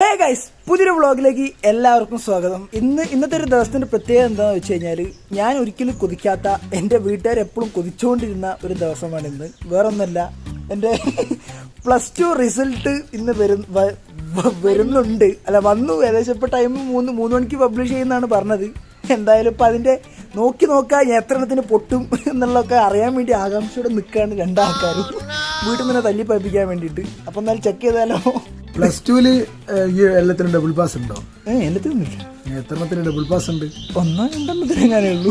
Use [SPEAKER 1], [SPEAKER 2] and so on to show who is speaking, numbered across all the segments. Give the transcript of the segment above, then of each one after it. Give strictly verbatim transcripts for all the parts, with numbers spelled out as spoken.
[SPEAKER 1] Hey guys, പുതിയൊരു വ്ളോഗിലേക്ക് എല്ലാവർക്കും സ്വാഗതം. ഇന്ന് ഇന്നത്തെ ഒരു ദിവസത്തിൻ്റെ പ്രത്യേകത എന്താണെന്ന് വെച്ച് കഴിഞ്ഞാൽ, ഞാൻ ഒരിക്കലും കൊതിക്കാത്ത, എൻ്റെ വീട്ടുകാർ എപ്പോഴും കൊതിച്ചുകൊണ്ടിരുന്ന ഒരു ദിവസമാണ് ഇന്ന്. വേറൊന്നുമല്ല, എൻ്റെ പ്ലസ് ടു റിസൾട്ട് ഇന്ന് വരും വരുന്നുണ്ട് അല്ല വന്നു. ഏകദേശം ഇപ്പോൾ ടൈം മൂന്ന് മൂന്ന് മണിക്ക് പബ്ലിഷ് ചെയ്യുന്നതാണ് പറഞ്ഞത്. എന്തായാലും ഇപ്പം അതിൻ്റെ നോക്കി നോക്കാൻ എത്ര എണ്ണത്തിന് പൊട്ടും എന്നുള്ളതൊക്കെ അറിയാൻ വേണ്ടി ആകാംക്ഷയോടെ നിൽക്കുകയാണ് രണ്ടാൾക്കാരും, വീട്ടിൽ നിന്ന് തല്ലി പഴിപ്പിക്കാൻ വേണ്ടിയിട്ട്. അപ്പം എന്നാലും ചെക്ക് ചെയ്താലോ.
[SPEAKER 2] പ്ലസ് ടുവില് എല്ലാത്തിനും ഡബിൾ പാസ് ഉണ്ടോ?
[SPEAKER 1] ഏഹ് എല്ലാത്തിനും ഇല്ല.
[SPEAKER 2] എത്രണ്ണത്തിന് ഡബിൾ പാസ് ഉണ്ട്?
[SPEAKER 1] ഒന്നോ രണ്ടെണ്ണത്തിന് എങ്ങനെയേ ഉള്ളൂ.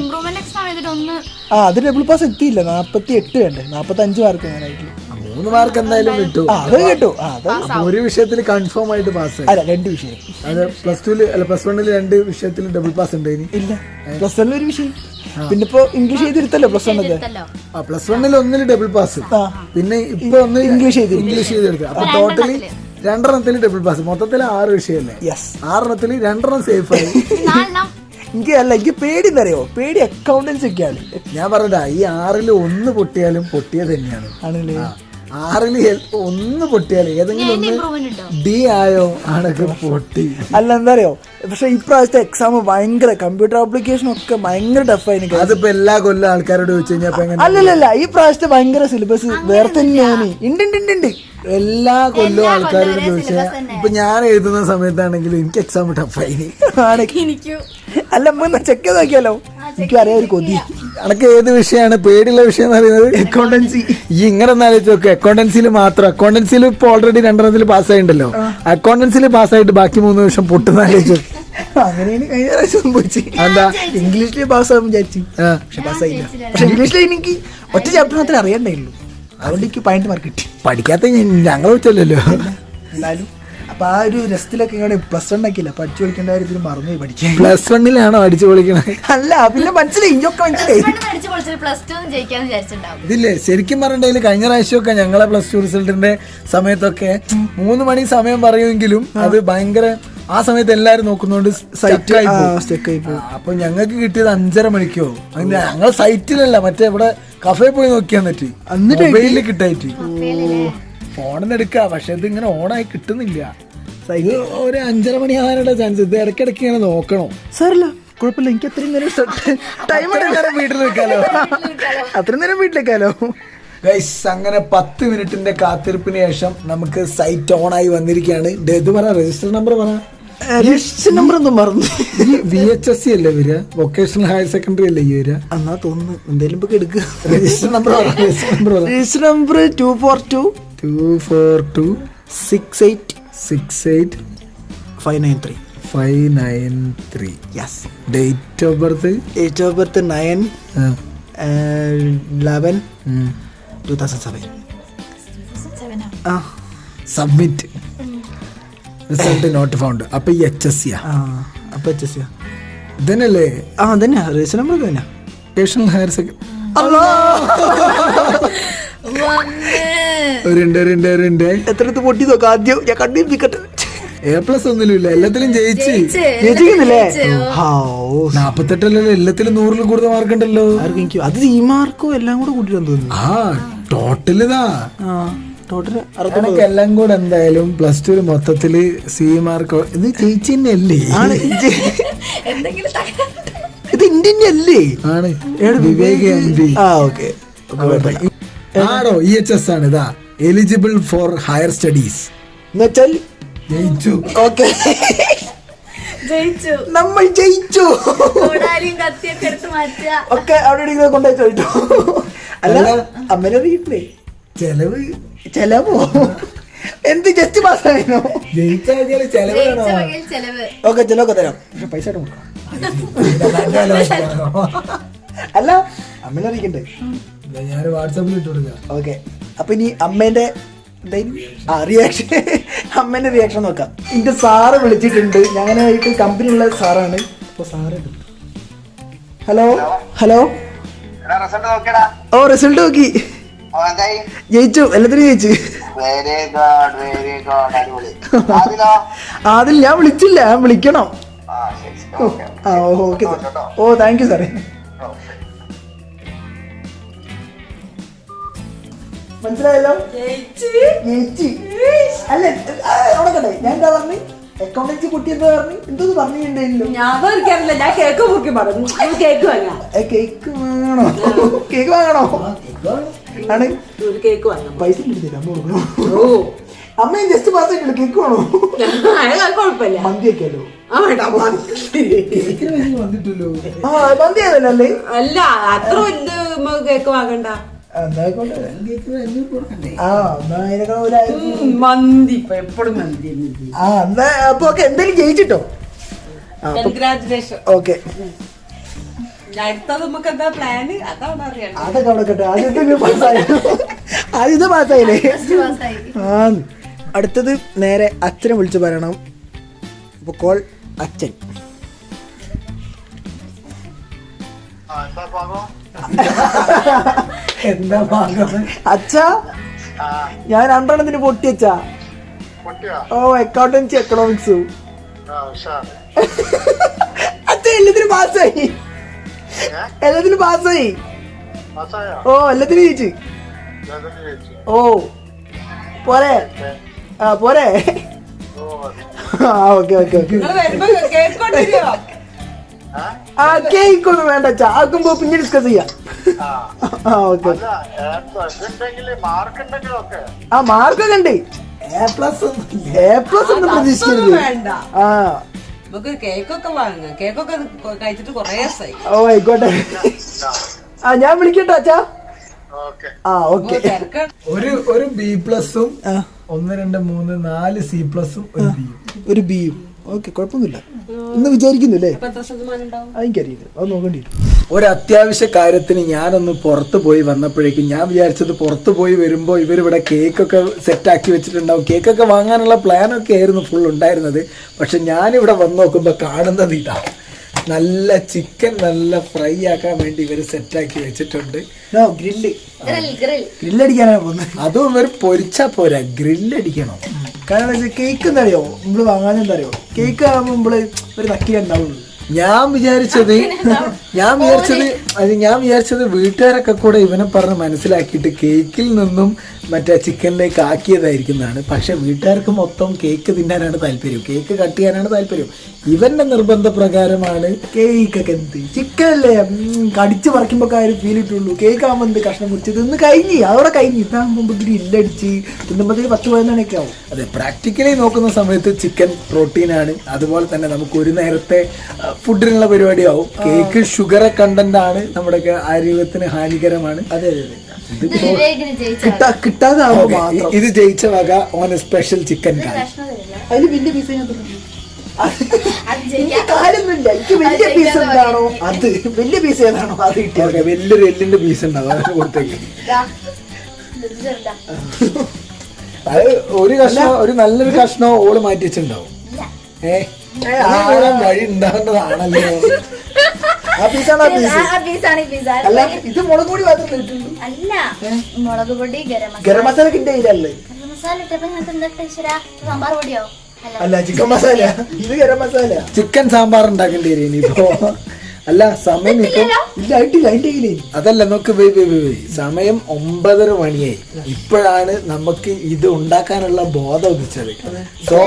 [SPEAKER 1] ആ അത് ഡബിൾ പാസ് എത്തിയില്ല. നാപ്പത്തി എട്ട് വേണ്ടേ, നാപ്പത്തി അഞ്ച് മാർക്ക് എങ്ങനെയായിട്ടുള്ളൂ.
[SPEAKER 2] മൂന്ന് മാർക്ക് എന്തായാലും കിട്ടും.
[SPEAKER 1] അത് കിട്ടും.
[SPEAKER 2] ഒരു വിഷയത്തിൽ കൺഫേം ആയിട്ട് പാസ്.
[SPEAKER 1] അല്ല, രണ്ട് വിഷയം.
[SPEAKER 2] അത് പ്ലസ് ടുവില് അല്ല പ്ലസ് വണ്ണില് രണ്ട് വിഷയത്തിൽ ഡബിൾ പാസ് ഉണ്ട്.
[SPEAKER 1] ഇല്ല, പ്ലസ് വണ്ണിൽ ഒരു വിഷയം. പിന്നെ ഇപ്പൊ ഇംഗ്ലീഷ് ചെയ്തിരുത്തല്ലോ പ്ലസ് വണ്ണത്.
[SPEAKER 2] ആ പ്ലസ് വണ്ണിൽ ഒന്നില് ഡബിൾ പാസ്, പിന്നെ ഇപ്പൊ ഒന്ന്
[SPEAKER 1] ഇംഗ്ലീഷ് ചെയ്ത്
[SPEAKER 2] ഇംഗ്ലീഷ് ചെയ്തെടുത്ത്. അപ്പൊ ടോട്ടലി രണ്ടെണ്ണത്തിൽ ഡബിൾ പാസ്, മൊത്തത്തിൽ ആറ് വിഷയമല്ലേ? ആറെണ്ണത്തിൽ രണ്ടെണ്ണം സേഫ് ആയി.
[SPEAKER 1] എനിക്ക് അല്ല, എനിക്ക് പേടി എന്നറിയോ, പേടി അക്കൗണ്ടൻസി ഒക്കെയാണ്.
[SPEAKER 2] ഞാൻ പറഞ്ഞതാ, ഈ ആറില് ഒന്ന് പൊട്ടിയാലും പൊട്ടിയത് തന്നെയാണ്. ആണല്ലേ? ആറില് ഒന്ന് പൊട്ടിയാലും ഏതെങ്കിലും ഒന്ന് ഡി ആയോ ആണൊക്കെ പൊട്ടി.
[SPEAKER 1] അല്ല എന്താ അറിയോ, പക്ഷെ ഇപ്രാവശ്യത്തെ എക്സാം ഭയങ്കര കമ്പ്യൂട്ടർ ആപ്ലിക്കേഷൻ ഒക്കെ ഭയങ്കര ടഫായി.
[SPEAKER 2] അതിപ്പോ എല്ലാ കൊല്ലം ആൾക്കാരോട് ചോദിച്ചു കഴിഞ്ഞാൽ
[SPEAKER 1] അല്ലല്ല, ഈ പ്രാവശ്യത്തെ ഭയങ്കര സിലബസ് വേറെ തന്നെയാണ്. ഉണ്ട് ഉണ്ട് ഉണ്ട്
[SPEAKER 2] എല്ലാ കൊല്ലവും ആൾക്കാരോട് ചോദിച്ചാൽ ഇപ്പൊ ഞാൻ എഴുതുന്ന സമയത്താണെങ്കിലും എനിക്ക് എക്സാം ടഫായി.
[SPEAKER 1] അല്ല നമുക്ക് ചെക്ക് ചെയ്ത് നോക്കിയാലോ, എനിക്കും അറിയാം ഒരു കൊതി.
[SPEAKER 2] അനക്ക് ഏത് വിഷയമാണ് പേടിയുള്ള വിഷയം എന്ന് പറയുന്നത്?
[SPEAKER 1] അക്കൗണ്ടൻസി.
[SPEAKER 2] ഈ ഇങ്ങനെ ഒന്ന് ആലോചിച്ച് നോക്ക്, അക്കൗണ്ടൻസിയിൽ മാത്രം. അക്കൗണ്ടൻസിയിൽ ഇപ്പൊ ഓൾറെഡി രണ്ടെണ്ണത്തിൽ പാസ്സായിണ്ടല്ലോ. അക്കൗണ്ടൻസിയിൽ പാസ്സായിട്ട് ബാക്കി മൂന്ന് വർഷം പൊട്ടുന്ന ആലോചിച്ചു.
[SPEAKER 1] അങ്ങനെയാണ് കഴിഞ്ഞ പ്രാവശ്യം സംഭവിച്ചു.
[SPEAKER 2] എന്താ
[SPEAKER 1] ഇംഗ്ലീഷിൽ പാസ്സാകും വിചാരിച്ചു, പക്ഷെ പാസ്സായില്ല. പക്ഷെ ഇംഗ്ലീഷിൽ എനിക്ക് ഒറ്റ ചാപ്റ്റർ മാത്രമേ അറിയണ്ടായുള്ളൂ. അതുകൊണ്ട് എനിക്ക് പോയിന്റ് മാർക്ക് കിട്ടി.
[SPEAKER 2] പഠിക്കാത്ത ഞങ്ങൾ വെച്ചല്ലോ.
[SPEAKER 1] എന്നാലും അപ്പൊ ആ ഒരു രസത്തിലൊക്കെ ഇങ്ങനെ പ്ലസ് വൺ ആക്കിയില്ല, പഠിച്ചു പഠിക്കേണ്ട കാര്യത്തിൽ മറന്നു പഠിക്കാൻ.
[SPEAKER 2] പ്ലസ് വണ്ണിലാണോ അടിച്ചു പൊളിക്കണത്?
[SPEAKER 1] അല്ല, പിന്നെ മനസ്സിലായി, ഇതൊക്കെ മനസ്സിലായി.
[SPEAKER 2] ഇതില്ലേ ശരിക്കും പറഞ്ഞിട്ടുണ്ടെങ്കിൽ കഴിഞ്ഞ പ്രാവശ്യമൊക്കെ ഞങ്ങളെ പ്ലസ് ടു റിസൾട്ടിന്റെ സമയത്തൊക്കെ മൂന്ന് മണി സമയം പറയുമെങ്കിലും അത് ഭയങ്കര ആ സമയത്ത് എല്ലാരും നോക്കുന്നോണ്ട് സൈറ്റ് അപ്പൊ ഞങ്ങൾക്ക് കിട്ടിയത് അഞ്ചര മണിക്കോ. ഞങ്ങൾ സൈറ്റിലല്ല, മറ്റേ ഇവിടെ കഫേ പോയി നോക്കിയാൻ പറ്റി. മൊബൈലിൽ കിട്ടായിട്ട് ഫോണിന്ന് എടുക്കുക, പക്ഷെ ഇത് ഇങ്ങനെ ഓണായി കിട്ടുന്നില്ല. ഇത് ഒരു അഞ്ചര മണി ആകാനുള്ള ചാൻസ്. ഇത് ഇടയ്ക്കിടയ്ക്ക് ഇങ്ങനെ നോക്കണോ?
[SPEAKER 1] സാറില്ല, കുഴപ്പമില്ല, എനിക്ക് അത്രയും നേരം ടൈം എടുക്കാനോ വീട്ടിൽ നിൽക്കാലോ, അത്രയും നേരം വീട്ടിലേക്കാലോ.
[SPEAKER 2] ഗൈസ്, അങ്ങനെ പത്ത് മിനിറ്റിന്റെ കാത്തിരിപ്പിന് ശേഷം നമുക്ക് സൈറ്റ് ഓൺ ആയി വന്നിരിക്കുകയാണ്. ഇത് പറ, രജിസ്റ്റർ നമ്പർ പറ.
[SPEAKER 1] രജിസ്റ്റർ നമ്പർ ഒന്നും മറന്നു.
[SPEAKER 2] ഈ വി എച്ച് എസ് സി അല്ലേ വരിക? വൊക്കേഷണൽ ഹയർ സെക്കൻഡറി അല്ലേ ഈ വരിക?
[SPEAKER 1] എന്നാ തോന്നുന്നു എന്തായാലും ഇപ്പൊ എടുക്കുക.
[SPEAKER 2] Register number
[SPEAKER 1] register number two four two
[SPEAKER 2] two four two
[SPEAKER 1] six eight
[SPEAKER 2] six eight
[SPEAKER 1] five nine three
[SPEAKER 2] five nine three.
[SPEAKER 1] Yes.
[SPEAKER 2] Date of birth
[SPEAKER 1] date of birth nine eleven two thousand seven. ആ
[SPEAKER 2] submit. Result not found. അപ്പൊ ഈ H S C
[SPEAKER 1] അപ്പൊ H S C
[SPEAKER 2] ഇതന്നെയല്ലേ?
[SPEAKER 1] ആ അതന്നെ register number തന്നെ.
[SPEAKER 2] Vocational higher secondary.
[SPEAKER 1] എത്രടുത്ത് പൊട്ടി നോക്കാം ആദ്യം, ഞാൻ കണ്ടിരിക്കട്ടെ.
[SPEAKER 2] എ പ്ലസ് ഒന്നിലും എല്ലാത്തിലും ജയിച്ച്
[SPEAKER 1] ജയിച്ചില്ലേ?
[SPEAKER 2] നാപ്പത്തെട്ടല്ലോ, എല്ലാത്തിലും നൂറിൽ കൂടുതൽ മാർക്ക് ഉണ്ടല്ലോ.
[SPEAKER 1] അത് ഈ മാർക്കോ എല്ലാം കൂടെ കൂട്ടിട്ടാന്ന് തോന്നുന്നു.
[SPEAKER 2] ആ ടോട്ടൽ ഇതാ
[SPEAKER 1] ടോട്ടല്
[SPEAKER 2] എല്ലാം കൂടെ എന്തായാലും പ്ലസ് ടു മൊത്തത്തില് സി മാർക്ക് ഇത് ജയിച്ചു തന്നെയല്ലേ?
[SPEAKER 1] ഇത് ഇന്ത്യൻ അല്ലേ? ആണ്.
[SPEAKER 2] Vivek M P.
[SPEAKER 1] ആ ഓക്കെ
[SPEAKER 2] ആണോ? ഇ എച്ച് എസ് ആണ്. ഇതാ എലിജിബിൾ ഫോർ ഹയർ സ്റ്റഡീസ്
[SPEAKER 1] എന്നുവെച്ചാൽ
[SPEAKER 2] ജയിച്ചു.
[SPEAKER 1] ഓക്കെ, നമ്മൾ ജയിച്ചു. ഒക്കെ അവിടെ കൊണ്ടുപോയി ചോദിച്ചു. അല്ല അമ്മേനെ
[SPEAKER 2] ചെലവ്
[SPEAKER 1] ചെലവോ എന്ത് ജസ്റ്റ് പാസ്സായിരുന്നോ?
[SPEAKER 2] ജയിച്ചാൽ ചെലവ്.
[SPEAKER 1] ഓക്കെ ചെലവൊക്കെ തരാം, പക്ഷെ പൈസ കൊടുക്കാം. അല്ല അമ്മേനെ അറിയിക്കണ്ടേ?
[SPEAKER 2] ഞാൻ വാട്സാപ്പിൽ ഇട്ട് കൊടുക്കാം.
[SPEAKER 1] ഓക്കെ, അപ്പൊ ഇനി അമ്മേന്റെ ആ റിയാക്ഷൻ, അമ്മേന്റെ റിയാക്ഷൻ നോക്കാം. എന്റെ സാറ് വിളിച്ചിട്ടുണ്ട്, ഞാനായിട്ട് കമ്പനിയുള്ള സാറാണ്. അപ്പൊ സാറ് ഹലോ ഹലോ ഓ റിസൾട്ട് നോക്കി, ജയിച്ചു, എല്ലാത്തിനും ജയിച്ചു. അതിൽ ഞാൻ വിളിച്ചില്ല, ഞാൻ വിളിക്കണം. ആ ഓക്കെ, ഓ താങ്ക് യു സാറേ. മനസ്സിലായല്ലോ? ജയിച്ച്. അല്ല അവിടെ കണ്ടേ ഞാൻ എന്താ പറഞ്ഞു? അക്കൗണ്ടൻസി കുട്ടി എന്താ പറഞ്ഞു? എന്തോന്ന് പറഞ്ഞിട്ടുണ്ടായില്ലോ?
[SPEAKER 3] ഞാൻ ഞാൻ കേക്ക് മുക്കി പറഞ്ഞു. കേക്ക് വാങ്ങാം.
[SPEAKER 1] കേക്ക് വാങ്ങണോ? കേക്ക് വാങ്ങണോ? ആണ്
[SPEAKER 3] കേക്ക് വാങ്ങാം.
[SPEAKER 1] പൈസ കിട്ടില്ല അമ്മ കൊടുക്കണോ? അമ്മയും ജസ്റ്റ് പാസ് ആയിട്ടില്ല. കേക്ക് വേണോ?
[SPEAKER 3] കുഴപ്പമില്ല.
[SPEAKER 1] മന്തി വെക്കാലോ?
[SPEAKER 2] വന്നിട്ടല്ലോ.
[SPEAKER 1] ആ മന്തി ആയതല്ലേ?
[SPEAKER 3] അല്ല അത്ര വലിയ കേക്ക് വാങ്ങണ്ട. മന്തി എപ്പോഴും മന്തി.
[SPEAKER 1] ആ എന്നാ അപ്പൊ ഓക്കെ എന്തായാലും ജയിച്ചിട്ടോ.
[SPEAKER 3] കൺഗ്രാറ്റുലേഷൻ.
[SPEAKER 1] ഓക്കെ
[SPEAKER 3] അടുത്തത് നമുക്ക് എന്താ പ്ലാന് അതാണ് അറിയാം.
[SPEAKER 1] അതൊക്കെ അവിടെ കേട്ടോ. ആദ്യത്തെ പാസ്സായി. ആദ്യത്തെ പാസ്സായില്ലേ? ആ അടുത്തത് നേരെ അച്ഛനെ വിളിച്ചു പറയണം. അപ്പൊ കോൾ അച്ഛൻ.
[SPEAKER 2] എന്താ ഭാഗം?
[SPEAKER 1] അച്ഛാ ഞാൻ രണ്ടെണ്ണത്തിന് പൊട്ടിയച്ചാ. ഓ അക്കൗണ്ടൻസി എക്കണോമിക്സ്. അച്ഛൻ എല്ലാത്തിനും പാസ്സായി. എല്ലാത്തിനും പാസ്സായി. ഓ എല്ലാത്തിനും ജയിച്ചു. ഓ പോരെ? ആ പോരെ? ആ ഓക്കെ ഓക്കെ ഓക്കെ. ആ കേക്ക് ഒന്നും വേണ്ട അച്ഛാ. ആക്കുമ്പോ പിന്നെ ഡിസ്കസ് ചെയ്യാം. ആ ഓക്കെ. ആ മാർക്കൊക്കെ ഉണ്ട്. എ പ്ലസ് എ പ്ലസ് ഒന്നും പ്രതീക്ഷിക്കരുത്. ആ
[SPEAKER 3] നമുക്ക് കേക്കൊക്കെ വാങ്ങാം. കേക്കൊക്കെ കഴിച്ചിട്ട് കൊറേ ദിവസമായി.
[SPEAKER 1] ഓ ആയിക്കോട്ടെ. ആ ഞാൻ വിളിക്കട്ടോ അച്ഛാ. ആ ഓക്കെ.
[SPEAKER 2] ഒരു ഒരു ബി പ്ലസും ഒന്ന് രണ്ട് മൂന്ന് നാല് സി പ്ലസും ഒരു ബിയും
[SPEAKER 1] ഒരു ബിയും. ഓക്കെ കുഴപ്പമൊന്നുമില്ല എന്ന് വിചാരിക്കുന്നില്ലേ? എനിക്കറിയില്ല, അത് നോക്കേണ്ടി വരും.
[SPEAKER 2] ഒരു അത്യാവശ്യ കാര്യത്തിന് ഞാനൊന്ന് പുറത്ത് പോയി വന്നപ്പോഴേക്കും ഞാൻ വിചാരിച്ചത് പുറത്ത് പോയി വരുമ്പോൾ ഇവരിവിടെ കേക്കൊക്കെ സെറ്റാക്കി വെച്ചിട്ടുണ്ടാവും. കേക്കൊക്കെ വാങ്ങാനുള്ള പ്ലാനൊക്കെ ആയിരുന്നു ഫുൾ ഉണ്ടായിരുന്നത്. പക്ഷെ ഞാനിവിടെ വന്ന് നോക്കുമ്പോൾ കാണുന്നത് ഇതാ, നല്ല ചിക്കൻ നല്ല ഫ്രൈ ആക്കാൻ വേണ്ടി ഇവർ സെറ്റാക്കി വെച്ചിട്ടുണ്ട്.
[SPEAKER 1] ഗ്രില്ല് ഗ്രില്ലടിക്കാനാണ് പോകുന്നത്.
[SPEAKER 2] അതും ഇവർ പൊരിച്ചാ പോരാ, ഗ്രില്ലടിക്കണം.
[SPEAKER 1] കാരണം കേക്ക് എന്താ അറിയോ നമ്മള് വാങ്ങാനെന്താ അറിയോ, കേക്ക് ആകുമ്പോൾ നമ്മള് ഒരു നക്കിലുണ്ടാവുള്ളൂ.
[SPEAKER 2] ഞാൻ വിചാരിച്ചത് ഞാൻ വിചാരിച്ചത് അത് ഞാൻ വിചാരിച്ചത് വീട്ടുകാരൊക്കെ കൂടെ ഇവനെ പറഞ്ഞ് മനസ്സിലാക്കിയിട്ട് കേക്കിൽ നിന്നും മറ്റേ ചിക്കനിലേക്ക് ആക്കിയതായിരിക്കുന്നതാണ്. പക്ഷെ വീട്ടുകാർക്ക് മൊത്തം കേക്ക് തിന്നാനാണ് താല്പര്യം, കേക്ക് കട്ട് ചെയ്യാനാണ് താല്പര്യം. ഇവന്റെ നിർബന്ധപ്രകാരമാണ്
[SPEAKER 1] കേക്കൊക്കെ എന്ത് ചിക്കൻ അല്ലേ കടിച്ച് പറിക്കുമ്പോ കാര്യം ഫീൽ ഇട്ടുള്ളൂ. കേക്ക് ആകുമ്പോൾ എന്ത് കഷ്ണം മുറിച്ചത് ഇന്ന് കഴിഞ്ഞ് അതോടെ കഴിഞ്ഞ് ഇതാകുമ്പോൾ ഗ്രില്ലടിച്ച് തിന്നുമ്പോഴത്തേക്ക് പത്ത് പതിനൊക്കെ ആവും.
[SPEAKER 2] അതെ, പ്രാക്ടിക്കലി നോക്കുന്ന സമയത്ത് ചിക്കൻ പ്രോട്ടീനാണ്. അതുപോലെ തന്നെ നമുക്ക് ഒരു നേരത്തെ ഫുഡിനുള്ള പരിപാടിയാവും. കേക്ക് ഷുഗർ കണ്ടന്റ് ആണ്, നമ്മുടെ ആരോഗ്യത്തിന് ഹാനികരമാണ്.
[SPEAKER 1] അതെ അതെ കിട്ടാതെ
[SPEAKER 2] ഇത് ജയിച്ച വക ഓൺ സ്പെഷ്യൽ ചിക്കൻ കാൽ.
[SPEAKER 1] അതില് വലിയ പീസ് കാര്യമൊന്നുമില്ല. എനിക്ക് വലിയ പീസ് എന്താണോ അത് വലിയ പീസ് ഏതാണോ അത് കിട്ടിയത്.
[SPEAKER 2] വലിയൊരു എല്ലിന്റെ പീസ് ഉണ്ടാവും, അതിന് കൊടുത്തേക്ക്. അത് ഒരു കഷ്ണം, ഒരു നല്ലൊരു കഷ്ണം ഓള് മാറ്റി വെച്ചിട്ടുണ്ടാവും. ഏഹ് വഴി ഉണ്ടാകേണ്ടതാണല്ലോ.
[SPEAKER 1] ആ പീസാണ് അല്ല ഇത് മുളക് പൊടി മാത്രം കിട്ടുള്ളൂ.
[SPEAKER 4] അല്ല മുളക് പൊടി
[SPEAKER 1] ഗരം മസാല കിട്ടിയ ഇല്ലല്ലേ?
[SPEAKER 4] സാമ്പാർ പൊടിയോ?
[SPEAKER 1] അല്ല ചിക്കൻ മസാല, ഇത് ഗരം മസാല.
[SPEAKER 2] ചിക്കൻ സാമ്പാർ ഉണ്ടാക്കേണ്ടി വരും ഇനിയിപ്പോ. അല്ല സമയം ഇപ്പൊ
[SPEAKER 1] ഇല്ല ആയിട്ടില്ല അതിന്റെ കയ്യിലേ.
[SPEAKER 2] അതല്ല നോക്ക്, വേ വേ വേ സമയം ഒമ്പതര മണിയായി. ഇപ്പോഴാണ് നമുക്ക് ഇത് ഉണ്ടാക്കാനുള്ള ബോധം ഉദിച്ചത്. സോ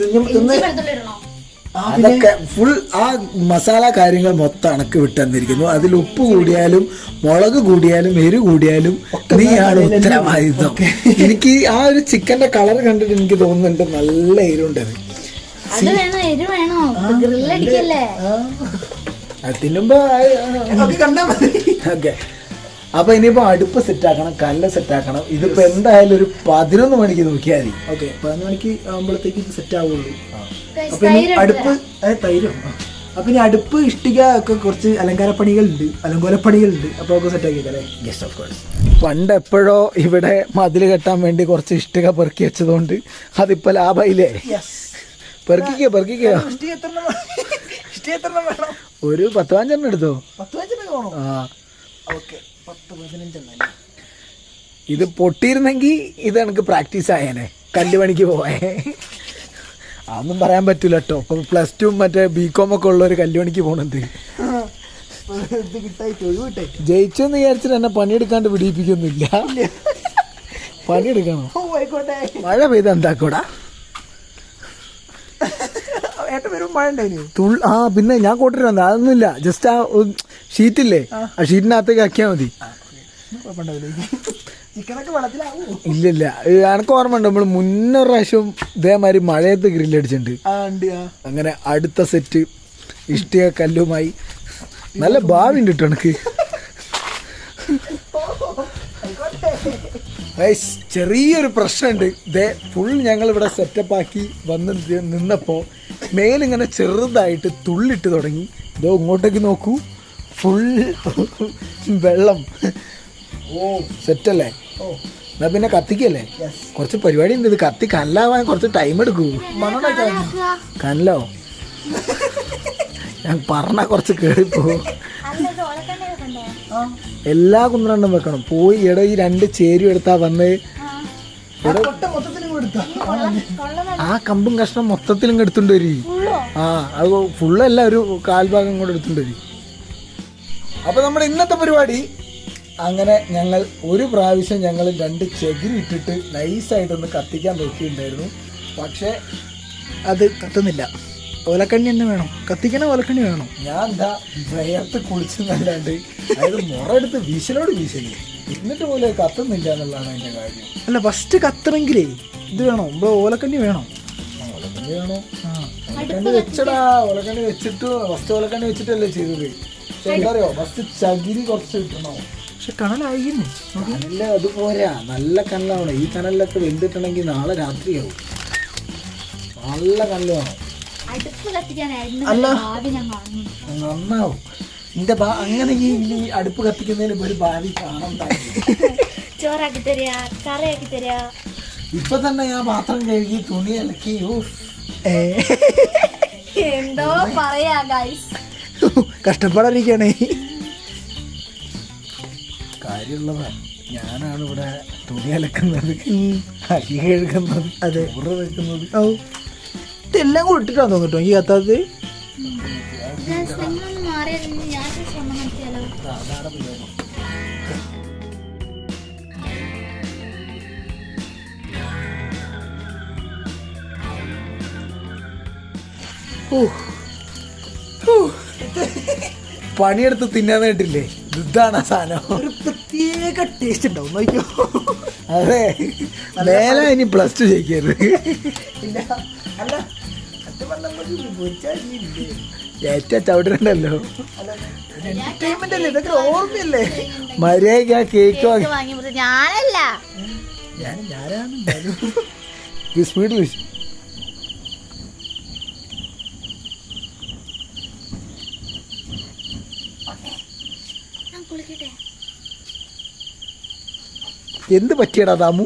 [SPEAKER 2] അതൊക്കെ ഫുൾ ആ മസാല കാര്യങ്ങൾ മൊത്തം അണക്ക് വിട്ടെന്നിരിക്കുന്നു. അതിൽ ഉപ്പ് കൂടിയാലും മുളക് കൂടിയാലും എരു കൂടിയാലും നീയാണ് ഉത്തരവാദിത്വം. എനിക്ക് ആ ഒരു ചിക്കന്റെ കളർ കണ്ടിട്ട് എനിക്ക് തോന്നുന്നുണ്ട് നല്ല എരുണ്ടത്. അത് തിന്നുമ്പോ ഓക്കെ. അപ്പൊ ഇനിയിപ്പോ അടുപ്പ് സെറ്റാക്കണം, കല്ല് സെറ്റാക്കണം. ഇതിപ്പോ എന്തായാലും ഒരു പതിനൊന്ന് മണിക്ക് നോക്കിയാൽ മതി.
[SPEAKER 1] ഓക്കെ പതിനൊന്ന് മണിക്ക് ആകുമ്പോഴത്തേക്ക് ഇത് സെറ്റ് ആവുള്ളൂ. അപ്പൊ ഇനി അടുപ്പ് തൈരും അപ്പൊ ഇനി അടുപ്പ് ഇഷ്ടിക ഒക്കെ കുറച്ച് അലങ്കാര പണികളുണ്ട്, അലങ്കോല പണികളുണ്ട്. അപ്പൊ ഒക്കെ സെറ്റ് ആക്കിയല്ലേ?
[SPEAKER 2] Yes of course. പണ്ട് എപ്പോഴോ ഇവിടെ മതിൽ കെട്ടാൻ വേണ്ടി കുറച്ച് ഇഷ്ടിക പെറുക്കി വെച്ചതുകൊണ്ട് അതിപ്പോ ലാഭയില്ലേ? പെറുക്കിക്കോ പെറുക്കിക്കോ. ഒരു പത്ത് പതിനഞ്ചെണ്ണം എടുത്തോ. ആ ഇത് പൊട്ടിയിരുന്നെങ്കിൽ ഇത് എനിക്ക് പ്രാക്ടീസ് ആയേനെ, കല്ല് പണിക്ക് പോയേ. അതൊന്നും പറയാൻ പറ്റൂല കേട്ടോ. ഇപ്പൊ പ്ലസ് ടു മറ്റേ ബി കോം ഒക്കെ ഉള്ള ഒരു കല്ലുപണിക്ക് പോണത് ജയിച്ചെന്ന് വിചാരിച്ചിട്ട് എന്നെ പണിയെടുക്കാണ്ട് പിടിപ്പിക്കൊന്നുമില്ല. പണിയെടുക്കണോ?
[SPEAKER 1] ഓ ആയിക്കോട്ടെ.
[SPEAKER 2] മഴ പെയ്ത എന്താക്കൂടാ?
[SPEAKER 1] ഏട്ടൻ വരും മഴ ഉണ്ടായിരുന്നു.
[SPEAKER 2] തുൾ ആ പിന്നെ ഞാൻ കൂട്ടിട്ട് വന്നത് അതൊന്നുമില്ല. ജസ്റ്റ് ആ ഷീറ്റില്ലേ, ആ ഷീറ്റിനകത്തേക്ക് ആക്കിയാൽ മതി.
[SPEAKER 1] ചിക്കനൊക്കെ വെള്ളത്തിലാവൂ.
[SPEAKER 2] ഇല്ലില്ല, എനക്ക് ഓർമ്മ ഉണ്ട് നമ്മൾ മുന്നൊരു പ്രാവശ്യം ഇതേമാതിരി മഴയത്ത് ഗ്രില്ലടിച്ചിട്ടുണ്ട്.
[SPEAKER 1] ആ ഉണ്ട്. ആ
[SPEAKER 2] അങ്ങനെ അടുത്ത സെറ്റ് ഇഷ്ടിക കല്ലുമായി നല്ല ഭാവി ഉണ്ട് കേട്ടോ എനിക്ക്. ചെറിയൊരു പ്രശ്നമുണ്ട്. ഇതേ ഫുൾ ഞങ്ങൾ ഇവിടെ സെറ്റപ്പ് ആക്കി വന്ന് നിന്നപ്പോൾ മേലിങ്ങനെ ചെറുതായിട്ട് തുള്ളിട്ട് തുടങ്ങി. ഇതോ ഇങ്ങോട്ടേക്ക് നോക്കൂ, ഫുൾ വെള്ളം. ഓ സെറ്റല്ലേ? ഓ എന്നാ പിന്നെ കത്തിക്കല്ലേ? കുറച്ച് പരിപാടി ഉണ്ട്. ഇത് കത്തി കല്ലാവാൻ കുറച്ച് ടൈം എടുക്കൂ. കല്ലോ ഞാൻ പറഞ്ഞ കുറച്ച് കേറിപ്പോ. എല്ലാ കുന്ത്രണ്ടും വെക്കണം. പോയി ഇട ഈ രണ്ട് ചേരും എടുത്താ വന്ന് ആ കമ്പും കഷ്ണം മൊത്തത്തിലും എടുത്തുകൊണ്ട് വരി. ആ അത് ഫുള്ളല്ല, ഒരു കാൽഭാഗം കൂടെ എടുത്തുകൊണ്ട് വരി. അപ്പൊ നമ്മുടെ ഇന്നത്തെ പരിപാടി അങ്ങനെ ഞങ്ങൾ ഒരു പ്രാവശ്യം ഞങ്ങൾ രണ്ട് ചകിരി ഇട്ടിട്ട് നൈസായിട്ടൊന്ന് കത്തിക്കാൻ നോക്കിയിട്ടുണ്ടായിരുന്നു. പക്ഷെ
[SPEAKER 1] അത് കത്തുന്നില്ല. ഓലക്കണ്ണി തന്നെ വേണം, കത്തിക്കണ ഓലക്കണ്ണി വേണം.
[SPEAKER 2] ഞാൻ എന്താ വേർത്ത് കുളിച്ചെന്നല്ലാണ്ട് അതായത് മുറയെടുത്ത് വീശലോട് വീശലി എന്നിട്ട് പോലെ കത്തുന്നില്ല എന്നുള്ളതാണ് അതിന്റെ കാര്യം.
[SPEAKER 1] അല്ല ഫസ്റ്റ് കത്തണമെങ്കിലേ ഇത് വേണോ, ഇവിടെ ഓലക്കണ്ണി വേണോ?
[SPEAKER 2] ഓലക്കണ്ണി വേണോ? ആ ഓലക്കണ്ണി വെച്ചടാ. ഓലക്കണ്ണി വെച്ചിട്ട് ഫസ്റ്റ് ഓലക്കണ്ണി വെച്ചിട്ടല്ലേ ചെയ്തത്. പക്ഷെ എന്താ അറിയോ, ഫസ്റ്റ് ചകിരി കുറച്ച് കിട്ടണോ.
[SPEAKER 1] പക്ഷെ കണലായിരുന്നു.
[SPEAKER 2] കനല് അത് പോരാ, നല്ല കനലാവണം. ഈ കനലിലൊക്കെ വെന്തിട്ടുണ്ടെങ്കിൽ നാളെ രാത്രിയാവും. നല്ല കനല് വേണം. നന്നാവും. എന്റെ അങ്ങനെ ഈ അടുപ്പ് കത്തിക്കുന്നതിന് ഒരു ഭാവി കാണാൻ.
[SPEAKER 4] ചോറാക്കി തരാ, കറിയാക്കി തരാ.
[SPEAKER 2] ഇപ്പൊ തന്നെ ഞാൻ പാത്രം കഴുകി തുണി അലക്കി.
[SPEAKER 4] എന്തോ പറയാ ഗൈസ്,
[SPEAKER 1] കഷ്ടപ്പാടായിരിക്കണേ.
[SPEAKER 2] കാര്യമുള്ളതാ. ഞാനാണ് ഇവിടെ തുണി അലക്കുന്നത്, അരി കഴുകുന്നത്, അതെ ഉറ വെക്കുന്നത്.
[SPEAKER 1] ഓ ഇതെല്ലാം കൂടെ ഇട്ടിട്ടാണ് തോന്നിട്ടോ ഈ കത്താത്.
[SPEAKER 2] പണിയെടുത്ത് തിന്നാൻ വേണ്ടില്ലേ, ഇതാണ് ആ സാധനം.
[SPEAKER 1] ഒരു പ്രത്യേക ടേസ്റ്റ് ഉണ്ടാവും നോക്കിയോ.
[SPEAKER 2] അതെ, മേലെ ഇനി പ്ലസ് ടു ജയിക്കരുത്.
[SPEAKER 1] അല്ല
[SPEAKER 2] ഏറ്റവും ചവിടണ്ടല്ലോ.
[SPEAKER 1] ഇതൊക്കെ ഓർമ്മയല്ലേ?
[SPEAKER 2] മര്യാദക്ക് ആ കേക്ക്
[SPEAKER 4] ഞാനല്ല
[SPEAKER 1] ഞാൻ ഞാനാണ്
[SPEAKER 2] സ്പീഡിൽ. എന്ത് പറ്റിയടാ ദാമു?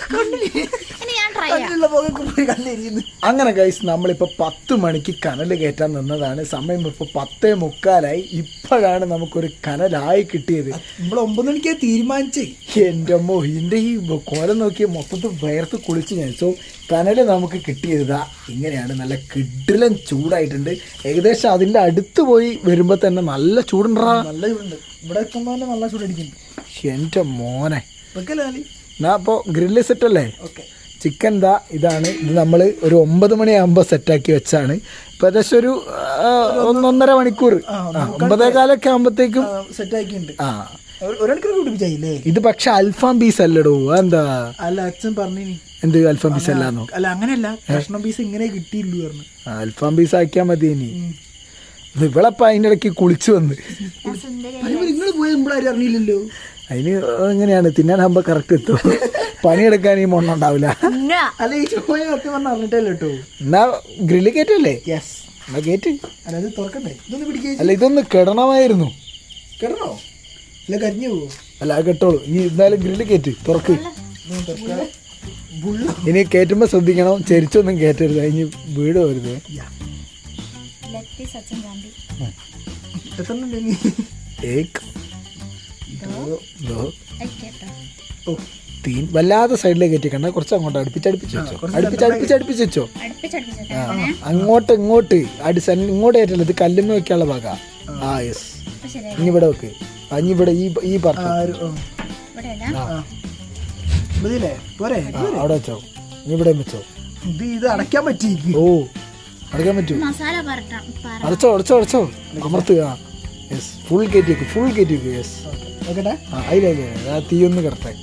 [SPEAKER 2] അങ്ങനെ ഗൈസ് നമ്മളിപ്പോൾ പത്ത് മണിക്ക് കനൽ കയറ്റാൻ നിന്നതാണ്. സമയം ഇപ്പോൾ പത്തേ മുക്കാലായി. ഇപ്പോഴാണ് നമുക്കൊരു കനലായി കിട്ടിയത്.
[SPEAKER 1] നമ്മൾ ഒമ്പത് മണിക്ക് തീരുമാനിച്ചേ.
[SPEAKER 2] എൻ്റെ അമ്മോ, ഇതിൻ്റെ ഈ കോലം നോക്കി മൊത്തത്തിൽ വേർത്ത് കുളിച്ച് ഞാൻ. സോ കനല് നമുക്ക് കിട്ടിയതാ ഇങ്ങനെയാണ്. നല്ല കിടിലൻ ചൂടായിട്ടുണ്ട്. ഏകദേശം അതിൻ്റെ അടുത്ത് പോയി വരുമ്പോൾ തന്നെ നല്ല ചൂടുണ്ടാ.
[SPEAKER 1] നല്ല ചൂടുണ്ട്. ഇവിടെ എത്തുമ്പോൾ തന്നെ നല്ല ചൂടടിക്കുന്നു.
[SPEAKER 2] എൻ്റെ മോനെ,
[SPEAKER 1] വെക്കല്ലേ
[SPEAKER 2] ഞാൻ അപ്പോൾ ഗ്രില്ല് സെറ്റല്ലേ?
[SPEAKER 1] ഓക്കെ.
[SPEAKER 2] ചിക്കൻ ദാ ഇതാണ്. ഇത് നമ്മൾ ഒരു ഒമ്പത് മണിയാകുമ്പോൾ സെറ്റാക്കി വെച്ചാണ്. ഇപ്പം ഏകദേശം ഒരു ഒന്നൊന്നര മണിക്കൂർ, ഒമ്പതേ കാലൊക്കെ ആകുമ്പോഴത്തേക്കും
[SPEAKER 1] സെറ്റാക്കിയിട്ടുണ്ട്.
[SPEAKER 2] ആ
[SPEAKER 1] ഒരു മണിക്കൂർ കുടിപ്പിച്ചായില്ലേ?
[SPEAKER 2] ഇത് പക്ഷെ അൽഫാം പീസ് അല്ലടോ. എന്താ?
[SPEAKER 1] അല്ല അച്ഛൻ പറഞ്ഞു.
[SPEAKER 2] എന്ത് അൽഫാം പീസ് അല്ലാന്നോ?
[SPEAKER 1] അല്ല അങ്ങനെയല്ല, കഷ്ണം പീസ് ഇങ്ങനെ കിട്ടിയില്ലു പറഞ്ഞു.
[SPEAKER 2] അൽഫാം പീസ് ആക്കിയാൽ മതി. ഇനി ഇവളപ്പം അതിൻ്റെ ഇടയ്ക്ക് കുളിച്ചു വന്ന്.
[SPEAKER 1] നിങ്ങൾ പോയി നമ്മളാരും അറിഞ്ഞില്ലല്ലോ.
[SPEAKER 2] അതിന് എങ്ങനെയാണ് തിന്നാനാകുമ്പോൾ കറക്റ്റ് എത്തും. പണിയെടുക്കാൻ ഈ മൊണ്ണ ഉണ്ടാവില്ല.
[SPEAKER 1] അല്ല ഈ ചോയ സത്യം പറഞ്ഞ അറിഞ്ഞിട്ടല്ലോ കേട്ടോ.
[SPEAKER 2] എന്നാ ഗ്രില്ല് കയറ്റല്ലേ?
[SPEAKER 1] യെസ്.
[SPEAKER 2] എന്നാ കയറ്റ്.
[SPEAKER 1] അല്ല അത് തുറക്കണ്ടേ? ഇതൊന്ന് പിടിക്കുക.
[SPEAKER 2] അല്ല ഇതൊന്ന് കിടണമായിരുന്നു.
[SPEAKER 1] കിടണോ? അല്ല കരിഞ്ഞു പോവോ?
[SPEAKER 2] അല്ല അത് കെട്ടോളൂ. ഈ എന്തായാലും ഗ്രില്ല് കയറ്റ്, തുറക്ക്. ഇനി കയറ്റുമ്പോൾ ശ്രദ്ധിക്കണം, ചെരിച്ചൊന്നും കയറ്റരുത്, അതിന് വീട് വരുത്. തീൻ വല്ലാതെ സൈഡിലേക്ക് കയറ്റിക്കണ്ട, കുറച്ച് അങ്ങോട്ട് അടുപ്പിച്ചടുപ്പിച്ച് വെച്ചോ. അടുപ്പിച്ച് അടുപ്പിച്ച് വെച്ചോ. അങ്ങോട്ട് ഇങ്ങോട്ട് അടി ഇങ്ങോട്ട് കയറ്റല്ല, ഇത് കല്ലുമ്മ വെക്കാനുള്ള ഭാഗം. ആ യെസ്. ഇനി ഇവിടെ വെക്ക്. ഇനി ഇവിടെ ഈ ഈ പാർട്ട്
[SPEAKER 1] മതിയില്ലേ പോരെ
[SPEAKER 2] ആ, അവിടെ വെച്ചോ നീ ഇവിടെ വെച്ചോ.
[SPEAKER 1] ഇത് ഇത് അടയ്ക്കാൻ പറ്റി.
[SPEAKER 2] ഓ അടയ്ക്കാൻ പറ്റൂ.
[SPEAKER 4] മസാല പറട്ടാം പറ
[SPEAKER 2] അടച്ചോ അടച്ചോ അടച്ചോ അമർത്തുക. യെസ് ഫുൾ കയറ്റി വെക്കും ഫുൾ കയറ്റി വെക്കും. യെസ്
[SPEAKER 1] നോക്കട്ടെ.
[SPEAKER 2] ആ അതിൽ അതിൽ ആ തീ ഒന്ന് കിടത്താൻ.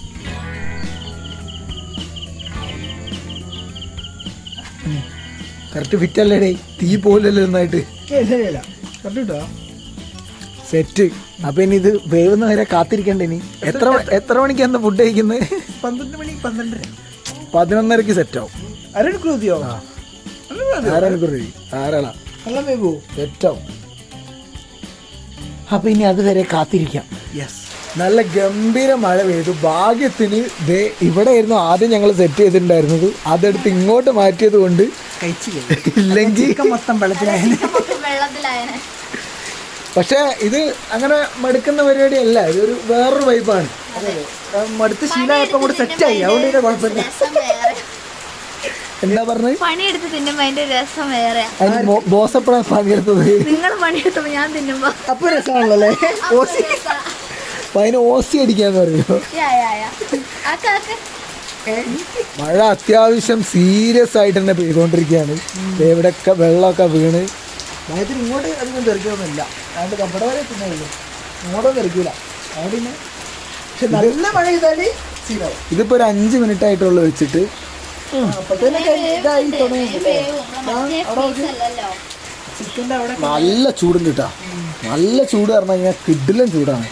[SPEAKER 2] കറക്റ്റ് ഫിറ്റ് അല്ലേടേ, തീ പോലല്ലോ നന്നായിട്ട്
[SPEAKER 1] ശരിയല്ല കണ്ടിട്ടോ.
[SPEAKER 2] സെറ്റ്. അപ്പൊ ഇനി ഇത് വേവുന്ന വരെ കാത്തിരിക്കണ്ടേ ഇനി. എത്ര എത്ര മണിക്കാണ് ഫുഡ് കഴിക്കുന്നത്?
[SPEAKER 1] പന്ത്രണ്ട് മണി പന്ത്രണ്ടര
[SPEAKER 2] പതിനൊന്നരക്ക് സെറ്റാവും.
[SPEAKER 1] അരമണിക്കൂർ മതിയോ?
[SPEAKER 2] ആരണിക്കൂർ ആരാളാ
[SPEAKER 1] നല്ല വേവോ?
[SPEAKER 2] സെറ്റാവും. അപ്പൊ ഇനി അതുവരെ കാത്തിരിക്കാം.
[SPEAKER 1] യെസ്.
[SPEAKER 2] നല്ല ഗംഭീര മഴ പെയ്തു. ഭാഗ്യത്തിന് ദേ ഇവിടെ ആയിരുന്നു ആദ്യം ഞങ്ങൾ സെറ്റ് ചെയ്തിട്ടുണ്ടായിരുന്നത്. അതെടുത്ത് ഇങ്ങോട്ട് മാറ്റിയത് കൊണ്ട് ഇല്ലെങ്കിൽ
[SPEAKER 1] മൊത്തം വെള്ളത്തിലായ.
[SPEAKER 4] വെള്ളത്തിലായനെ.
[SPEAKER 2] പക്ഷെ ഇത് അങ്ങനെ മടുക്കുന്ന പരിപാടിയല്ല, ഇതൊരു വേറൊരു വൈബാണ്.
[SPEAKER 1] മടുത്ത് ശീലമായപ്പോ കൂടെ സെറ്റായി. അതുകൊണ്ട് ഇതിന്റെ കുഴപ്പമില്ല.
[SPEAKER 4] രസം വേറെ.
[SPEAKER 2] എന്താ പറഞ്ഞത്?
[SPEAKER 4] പണിയെടുത്ത് തിന്നുമ്പോ അതിന്റെ രസം വേറെ.
[SPEAKER 2] അതിന് ബോസ് എപ്പോഴാണ് പണിയെടുത്തത്?
[SPEAKER 4] നിങ്ങൾ പണിയെടുത്തപ്പോ ഞാൻ തിന്നുമ്പോ
[SPEAKER 1] അപ്പൊ രസമാണല്ലോ. ഓസി
[SPEAKER 2] അപ്പൊ അതിന് ഓസി അടിക്കാന്ന് പറയുമോ? മഴ അത്യാവശ്യം സീരിയസ് ആയിട്ട് തന്നെ പെയ്തുകൊണ്ടിരിക്കുകയാണ്. എവിടെയൊക്കെ വെള്ളമൊക്കെ വീണ്.
[SPEAKER 1] മയത്തിന് ഇങ്ങോട്ട് അധികം തെറിക്കൊന്നുമില്ല. അതുകൊണ്ട് കപ്പട വരെ തിന്നുള്ളൂ, ഇങ്ങോട്ടും തെറിക്കൂല. അവിടെ പിന്നെ പക്ഷെ നല്ല മഴ ചെയ്താല് ശീലമാവും.
[SPEAKER 2] ഇതിപ്പോ ഒരു അഞ്ച് മിനിറ്റ് ആയിട്ടുള്ള വെച്ചിട്ട്
[SPEAKER 1] ഇതായി തുടങ്ങി. ചിക്കൻ്റെ അവിടെ
[SPEAKER 2] നല്ല ചൂടുണ്ട് കേട്ടാ. നല്ല ചൂട് പറഞ്ഞു കഴിഞ്ഞാൽ കിഡിലും ചൂടാണ്.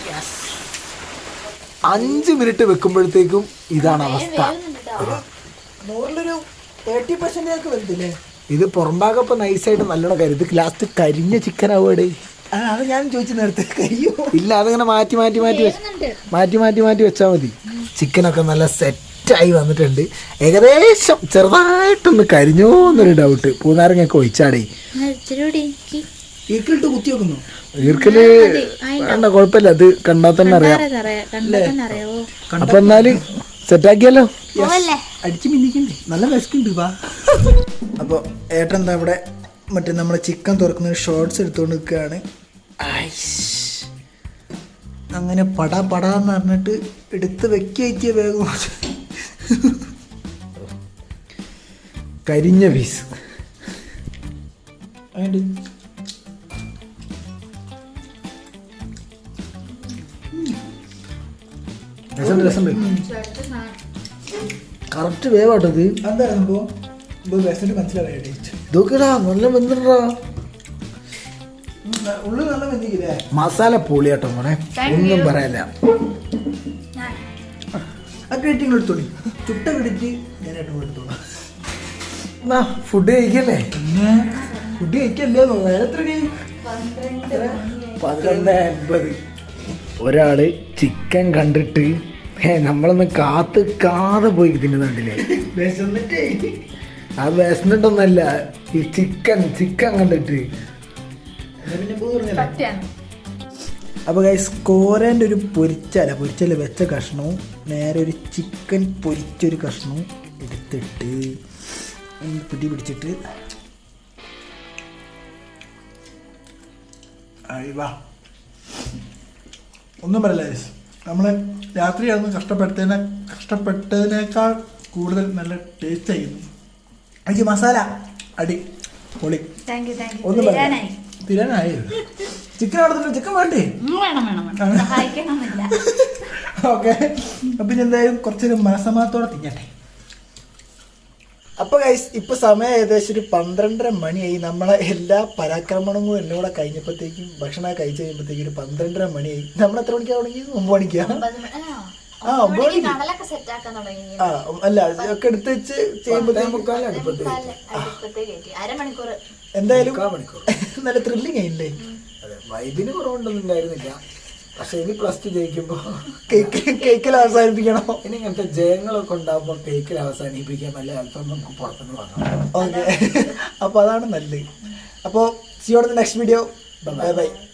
[SPEAKER 2] അഞ്ച് മിനിറ്റ് വെക്കുമ്പോഴത്തേക്കും ഇതാണ് അവസ്ഥ.
[SPEAKER 1] നൂറിലൊരു തേർട്ടി പെർസെന്റേജ് വലുതില്ലേ?
[SPEAKER 2] ഇത് പുറംഭാഗപ്പോ നൈസായിട്ട് നല്ലോണം കരുത്. ലാസ്റ്റ് കരിഞ്ഞ ചിക്കൻ ആവുകയുടെ.
[SPEAKER 1] അത് ഞാൻ ചോദിച്ചു നേരത്തെ കരിയോ
[SPEAKER 2] ഇല്ല, അതിങ്ങനെ മാറ്റി മാറ്റി മാറ്റി മാറ്റി മാറ്റി മാറ്റി വെച്ചാൽ മതി. ചിക്കനൊക്കെ നല്ല സെറ്റായി വന്നിട്ടുണ്ട്. ഏകദേശം ചെറുതായിട്ടൊന്ന് കരിഞ്ഞോ എന്നൊരു ഡൗട്ട്. പൂനാരങ്ങയൊക്കെ ഒഴിച്ചാടേ.
[SPEAKER 1] ഈക്കിലിട്ട് കുത്തി വെക്കുന്നു.
[SPEAKER 2] ഈർക്കല് വേണ്ട, കുഴപ്പമില്ല. അത് കണ്ടാൽ തന്നെ അറിയാം. അപ്പൊ എന്നാല് സെറ്റാക്കിയല്ലോ.
[SPEAKER 1] അടിച്ച് മിന്നിക്കണ്ടേ? നല്ല വിശക്കുണ്ട്. വാ. അപ്പോൾ ഏട്ടൻ എന്താ ഇവിടെ മറ്റേ നമ്മളെ ചിക്കൻ തുറക്കുന്ന ഷോർട്സ് എടുത്തുകൊണ്ട് നിൽക്കുകയാണ്. അങ്ങനെ പടാ പടാന്ന് പറഞ്ഞിട്ട് എടുത്ത് വെക്കിയ വേഗം
[SPEAKER 2] കരിഞ്ഞ പീസ്. കറക്റ്റ് വേവാട്ടത്.
[SPEAKER 1] എന്തായിരുന്നു മനസ്സിലായി.
[SPEAKER 2] ഇതൊക്കെടാ നല്ല വെന്തിട്ടാ.
[SPEAKER 1] ഉള്ളു നല്ല വെന്തിക്കില്ലേ?
[SPEAKER 2] മസാല പൊളിയാട്ടോ മോനെ, ഒന്നും പറയാനില്ല.
[SPEAKER 1] ആ ക്രെഡിറ്റ് എടുത്തോളി. ചുട്ട ക്രെഡിറ്റ് ഞാൻ ഏട്ടൻ എടുത്തോളാം.
[SPEAKER 2] ഫുഡ് കഴിക്കല്ലേ?
[SPEAKER 1] ഫുഡ് കഴിക്കല്ലേ? എത്ര
[SPEAKER 2] പന്ത്രണ്ട് അൻപത്. ഒരാള് ചിക്കൻ കണ്ടിട്ട് നമ്മളൊന്ന് കാത്ത് കാതെ പോയി തിന്നുന്നുണ്ടില്ലേ?
[SPEAKER 1] വിശന്നിട്ടേ.
[SPEAKER 2] ആ വിശന്നിട്ടൊന്നല്ല, ഈ ചിക്കൻ ചിക്കൻ കണ്ടിട്ട്.
[SPEAKER 1] അപ്പോൾ ഗൈസ് കോരൻ്റെ ഒരു പൊരിച്ചല പൊരിച്ചല വെച്ച കഷ്ണവും നേരെ ഒരു ചിക്കൻ പൊരിച്ചൊരു കഷ്ണവും എടുത്തിട്ട് പിടി പിടിച്ചിട്ട് വാ. ഒന്നും പറയില്ല ഗൈസ്, നമ്മൾ രാത്രിയാണെന്ന് കഷ്ടപ്പെട്ടതിനെ കഷ്ടപ്പെട്ടതിനേക്കാൾ കൂടുതൽ നല്ല ടേസ്റ്റ് ആയിരുന്നു. എനിക്ക് മസാല അടി പൊളി. ഒന്നും പറയാ തിരാനായി. ചിക്കൻ അവിടെ ചിക്കൻ വേണ്ടേ? ഓക്കെ. അപ്പം ഇനി എന്തായാലും കുറച്ചൊരു മനസമാനത്തോടെ തിന്നട്ടെ. അപ്പോൾ ഗൈസ് ഇപ്പോൾ സമയം ഏകദേശം ഒരു പന്ത്രണ്ടര മണിയായി. നമ്മളെ എല്ലാ പരാക്രമണങ്ങളും എല്ലാം കൂടെ കഴിഞ്ഞപ്പോഴത്തേക്കും ഭക്ഷണം കഴിച്ച് കഴിയുമ്പോഴത്തേക്കും ഒരു പന്ത്രണ്ടര മണിയായി. നമ്മൾ എത്ര മണിക്കാണ് തുടങ്ങി? ഒമ്പത് മണിക്കാണ്. ആ ഒമ്പത് മണിക്ക്. ആ അല്ല ഒക്കെ എടുത്ത് വെച്ച് ചെയ്യുമ്പോഴത്തേക്കും എന്തായാലും നല്ല ത്രില്ലിങ് ആയില്ലേ?
[SPEAKER 2] വൈബിന് കുറവുണ്ടൊന്നും ഉണ്ടായിരുന്നില്ല. പക്ഷെ ഇനി പ്ലസ് ടു ജയിക്കുമ്പോ
[SPEAKER 1] കേക്ക് കേക്കിൽ അവസാനിപ്പിക്കണോ?
[SPEAKER 2] ഇനി ഇങ്ങനത്തെ ജയങ്ങളൊക്കെ ഉണ്ടാകുമ്പോ കേക്കിൽ അവസാനിപ്പിക്കാൻ നല്ല അല്പം നമുക്ക് പുറത്തുനിന്ന് വാങ്ങാം.
[SPEAKER 1] ഓക്കെ. അപ്പോൾ അതാണ് നല്ലത്. അപ്പോൾ സിയോടെ നെക്സ്റ്റ് വീഡിയോ. Bye by.